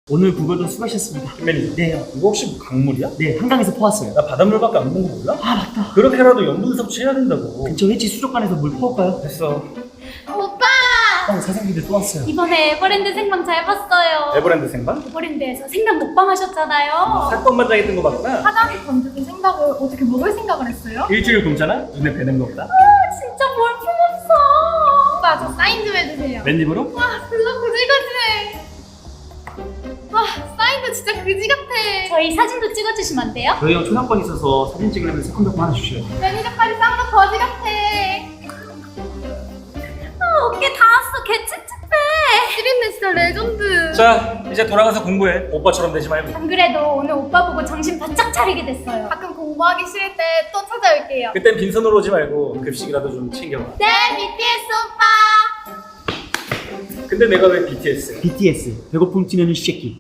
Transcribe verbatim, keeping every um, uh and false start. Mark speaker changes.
Speaker 1: 오늘 구글도 수고하셨습니다.
Speaker 2: 매니저.
Speaker 1: 네요.
Speaker 2: 이거 혹시 뭐 강물이야?
Speaker 1: 네, 한강에서 퍼왔어요.
Speaker 2: 나 바닷물밖에 안 본 거 몰라?
Speaker 1: 아, 맞다.
Speaker 2: 그렇게라도 염분 섭취해야 된다고.
Speaker 1: 근처 해치 수족관에서 물 퍼올까요?
Speaker 2: 됐어.
Speaker 3: 오빠!
Speaker 1: 어, 사장님들 또 왔어요.
Speaker 3: 이번에 에버랜드 생방 잘 봤어요.
Speaker 2: 에버랜드 생방?
Speaker 3: 에버랜드에서 생방 먹방 하셨잖아요.
Speaker 2: 사건반장 했던 거 봤구나.
Speaker 3: 사장이 던져준 생각을 어떻게 먹을 생각을 했어요?
Speaker 2: 일주일 굶잖아? 눈에 뵈는 거 없다.
Speaker 3: 진짜 볼품없어. 오빠 저 사인 좀 해주세요.
Speaker 2: 맨입으로?
Speaker 3: 와 별로 그지같이. 와 사인도 진짜 그지 같아. 저희 사진도 찍어주시면 안 돼요?
Speaker 1: 저희 형 초상권 있어서 사진 찍으려면 새콤달콤 하나 주셔요.
Speaker 3: 매니저까지 쌍도 거지 같아. 아 어깨 다 왔어. 개 찝찝해. 시린네 진짜 레전드.
Speaker 2: 자, 이제 돌아가서 공부해. 오빠처럼 되지 말고.
Speaker 3: 안 그래도 오늘 오빠 보고 정신 바짝 차리게 됐어요. 가끔 공부하기 싫을 때 또 찾아올게요.
Speaker 2: 그땐 빈손으로 오지 말고 급식이라도 좀 챙겨봐.
Speaker 3: 네, 비티에스 오빠.
Speaker 2: 근데 내가 왜 비티에스?
Speaker 1: 비티에스, 배고픔 찌르는 쉐키.